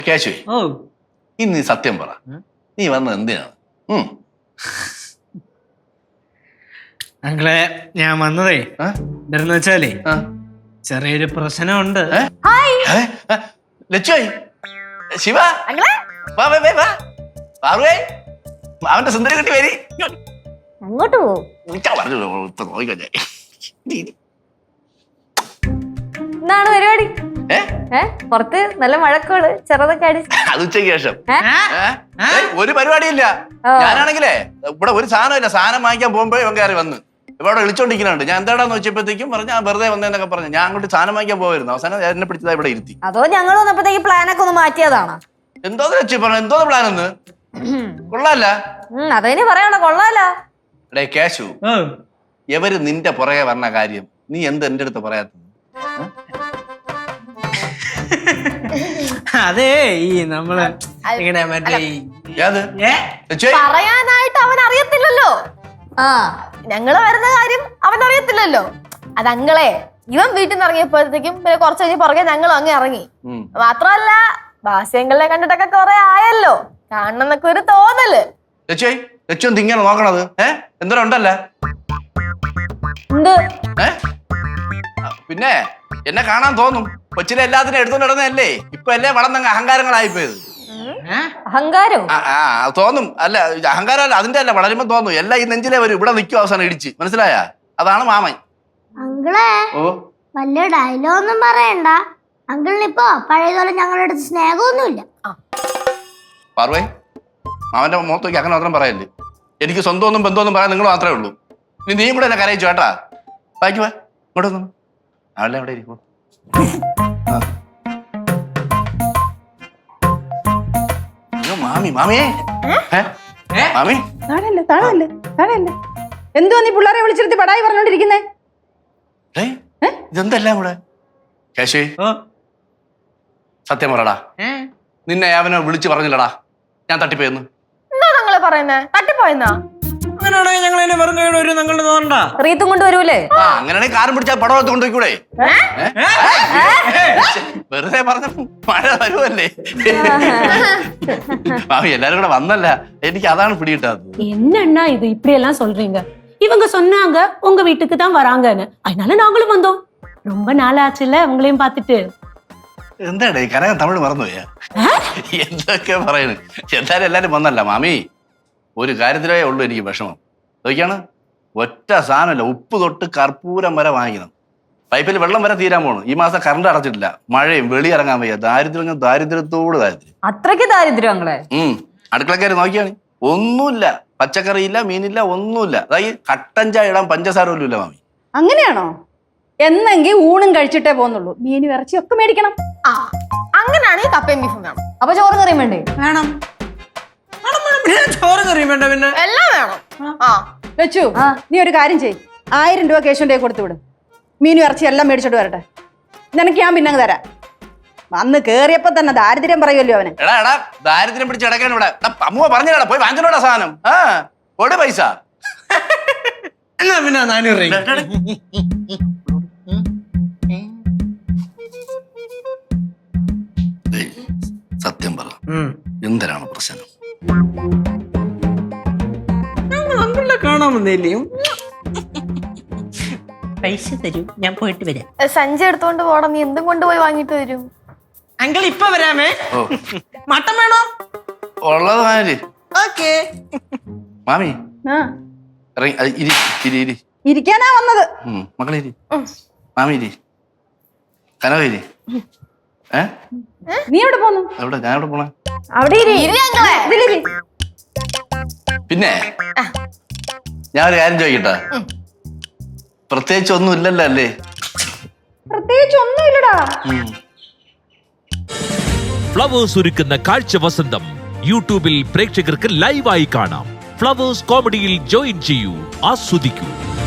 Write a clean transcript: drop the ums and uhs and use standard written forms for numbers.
കേശുവേ, ഇന്ന് നീ സത്യം പറ, നീ വന്നത് എന്തിനാണ്? അങ്ങളെ ഞാൻ വന്നതേ എന്താന്ന് വെച്ചാലേ ചെറിയൊരു പ്രശ്നമുണ്ട്. ലച്ചുവായി, ശിവ, അവന്റെ സുന്ദരി കുട്ടി വരി. അങ്ങോട്ട് പോകും. എന്താണ് പരിപാടി? പുറത്ത് നല്ല മഴക്കോട് ചെറുതൊക്കെ അടി. അത് ഉച്ചയ്ക്ക് ശേഷം ഒരു പരിപാടിയില്ല. ഞാനാണെങ്കിലേ ഇവിടെ ഒരു സാധനം ഇല്ല. സാധനം വാങ്ങിക്കാൻ പോകുമ്പോ ഇവൻ കയറി വന്ന് ഇവിടെ വിളിച്ചോണ്ടിരിക്കുന്നുണ്ട്. ഞാൻ എന്താടാന്ന് വെച്ചപ്പോഴത്തേക്കും പറഞ്ഞു ഞാൻ വെറുതെ വന്നേന്നൊക്കെ പറഞ്ഞു. ഞാൻ അങ്ങോട്ട് സാധനം വാങ്ങിക്കാൻ പോയിരുന്നു. അവസാനം എന്നെ പിടിച്ചതാ ഇവിടെ ഇരുത്തി. അതോ ഞങ്ങൾ വന്നപ്പോഴത്തേക്ക് പ്ലാനൊക്കെ ഒന്ന് മാറ്റിയതാണ്? എന്തോന്ന് വെച്ചു പറഞ്ഞു? എന്തോന്ന് പ്ലാൻ ഒന്ന് കൊള്ളാല്ല. അതിന് പറയണ കൊള്ളാലോ. എടേ കേശു, എവര് നിന്റെ പുറകെ പറഞ്ഞ കാര്യം നീ എന്ത് എന്റെ അടുത്ത് പറയാത്തത്? അതേ ഈ നമ്മള് ഇങ്ങനെ മറ്റേ പറയാനായിട്ട് അവൻ അറിയത്തില്ലല്ലോ. ഞങ്ങള് വരുന്ന കാര്യം അവൻ അറിയത്തില്ലല്ലോ. അതങ്ങളെ ഇവൻ വീട്ടിൽ നിന്ന് ഇറങ്ങിയപ്പോഴത്തേക്കും പിന്നെ കുറച്ച് കഴിഞ്ഞ് പുറകെ ഞങ്ങളും അങ്ങ് ഇറങ്ങി. മാത്രമല്ല ഭാസ്യങ്ങളെ കണ്ടിട്ടൊക്കെ കുറെ ആയല്ലോ, കാണണം എന്നൊക്കെ ഒരു തോന്നല്. ഇങ്ങനെ നോക്കണത് എന്തോരണ്ടല്ല. പിന്നെ എന്നെ കാണാൻ തോന്നും. കൊച്ചിലെ എല്ലാത്തിനും എടുത്തോണ്ട് നടന്നല്ലേ. ഇപ്പൊ അല്ലേ വളർന്നങ്ങ് അഹങ്കാരങ്ങളായിപ്പോയത്. അഹങ്കാരം തോന്നും. അല്ല അഹങ്കാരം അല്ല, അതിന്റെ അല്ല. വളരുമ്പോ തോന്നും എല്ലാം ഈ നെഞ്ചിലേ വരും. ഇവിടെ നിൽക്കും അവസാനം ഇടിച്ച്. മനസ്സിലായ? അതാണ് മാമൻ. അങ്കിളെ വലിയ ഡയലോഗൊന്നും പറയണ്ട. അങ്കിളിനിപ്പോ പഴയതുപോലെ ഞങ്ങളുടെ അടുത്ത് സ്നേഹമൊന്നുമില്ല. പാർവേ, മാമന്റെ മുഖത്തേക്ക് അങ്ങനെ മാത്രം പറയല്ലേ. എനിക്ക് സ്വന്തമൊന്നും ബന്ധമൊന്നും പറയാൻ നിങ്ങൾ മാത്രമേ ഉള്ളൂ. ഇനി നീയും കൂടെ എന്നെ കരയിച്ചു കേട്ടാ. വായിക്കുവാ ഇങ്ങോട്ട് വന്നു. അവളെ അവിടെ ഇരിക്കും. മാമി മാമിയേ മാമി താഴല്ലേ താഴല്ലേ താഴല്ലേ. എന്തോ നീ പിള്ളേരെ വിളിച്ചിരുത്തി പടായി പറഞ്ഞോണ്ടിരിക്കുന്നേ? ഇതെന്തെല്ലാം കൂടെ? കേശേ, സത്യം പറടാ, നിന്നെ അവനെ വിളിച്ചു പറഞ്ഞില്ലടാ ഞാൻ തട്ടിപ്പോയെന്ന്? എന്താ നിങ്ങള് പറയുന്നേ? തട്ടിപ്പോയെന്നാ? റീത്തും കൊണ്ടുവരൂലേ? അങ്ങനെയാണെങ്കിൽ കാറും പിടിച്ചാൽ പടവത്ത് കൊണ്ടുപോയിക്കൂടെ? വെറുതെ പറഞ്ഞ മഴ വരുമല്ലേ. മാമി എല്ലാരും കൂടെ വന്നല്ല, എനിക്ക് അതാണ് പിടികിട്ടാത്. என்னன்னா இது இப்படி எல்லாம் சொல்றீங்க? இவங்க சொன்னாங்க உங்க வீட்டுக்கு தான் வராங்கன்னு, அதனால நாங்களும் வந்தோம். ரொம்ப நாள் ஆச்சுல உங்களையும் பார்த்துட்டு. എന്താടേ കനകം തമിഴ് മറന്നുപോയാ? എന്തൊക്കെ പറയുന്നു. എന്തായാലും എല്ലാരും വന്നല്ല മാമി. ഒരു കാര്യത്തിലേ ഉള്ളൂ എനിക്ക് വിഷമം. അതൊക്കെയാണ് ഒറ്റ സാധനമല്ല, ഉപ്പ് തൊട്ട് കർപ്പൂരം വരെ വാങ്ങിക്കണം. പൈപ്പിൽ വെള്ളം വരെ തീരാൻ പോണു. ഈ മാസം കറണ്ട് അടച്ചിട്ടില്ല. മഴയും വെളിയിറങ്ങാൻ വയ്യ. ദാരിദ്ര്യം ദാരിദ്ര്യത്തോട് ദാരിദ്ര്യം. അത്രയ്ക്ക് ദാരിദ്ര്യം അങ്ങളെ? അടുക്കളക്കാര് നോക്കിയാണ് ഒന്നുമില്ല. പച്ചക്കറിയില്ല, മീനില്ല, ഒന്നുമില്ല. അതായത് കട്ടൻ ചായ ഇടാൻ പഞ്ചസാര പോലും ഇല്ല മാമി. അങ്ങനെയാണോ? എന്നെങ്കിൽ ഊണും കഴിച്ചിട്ടേ പോന്നുള്ളൂ. മീനും ഇറച്ചിയൊക്കെ മേടിക്കണം. അങ്ങനെയാണെങ്കിൽ കപ്പയും ബീഫും വേണം. അപ്പൊ ചോറും കറിയും വേണ്ടേ? വേണം. ചോറും കറിയും വേണ്ട, പിന്നെ എല്ലാം വേണം. വെച്ചു നീ ഒരു കാര്യം ചെയ്. 1000 രൂപ കേശുന്റെ കൊടുത്തു വിടും. മീനും ഇറച്ചി എല്ലാം മേടിച്ചോട്ട് വരട്ടെ. നിനക്ക് ഞാൻ പിന്നെ തരാം. വന്ന് കേറിയപ്പോ തന്നെ ദാരിദ്ര്യം പറയുമല്ലോ അവന്. എടാ എടാ ദാരിദ്ര്യം പിടിച്ച് കിടക്കാൻ ഇവിടെ അമ്മ പറഞ്ഞടാ, പോയി വാങ്ങിച്ചോടാ സാധനം. ഒട് പൈസ എന്നാ പിന്നെ 400 രൂപ. സത്യം പറ, എന്തിനാണ് പ്രശ്നം? അങ്കിളിനെ കാണാൻ വന്നില്ലേ? പൈസ തരൂ, ഞാൻ പോയിട്ട് വരാം. സഞ്ചി എടുത്തോണ്ട് പോടാ. നീ എന്തും കൊണ്ടുപോയി വാങ്ങിട്ട് വരും. അങ്കിൾ ഇപ്പൊ വരാമേ. മട്ടൻ വേണോ? ഉള്ളത് മാമി. ഓക്കേ മാമി ഇരിക്കാനാ വന്നത്. മക്കളെ മാമി കനകരി. നീ എവിടെ പോന്നു? എവിടെ? ഞാൻ എവിടെ പോണേ? അവിടെ പിന്നെ ഞാൻ ഒരു കാര്യം ചോദിക്കട്ടെ? പ്രത്യേകിച്ച് ഒന്നും ഇല്ലല്ലോ അല്ലേ? പ്രത്യേകിച്ച് ഒന്നുമില്ലടാ. ഫ്ലവേഴ്സ് ഒരുക്കുന്ന കാഴ്ച വസന്തം യൂട്യൂബിൽ പ്രേക്ഷകർക്ക് ലൈവായി കാണാം. ഫ്ലവേഴ്സ് കോമഡിയിൽ ജോയിൻ ചെയ്യൂ, ആസ്വദിക്കൂ.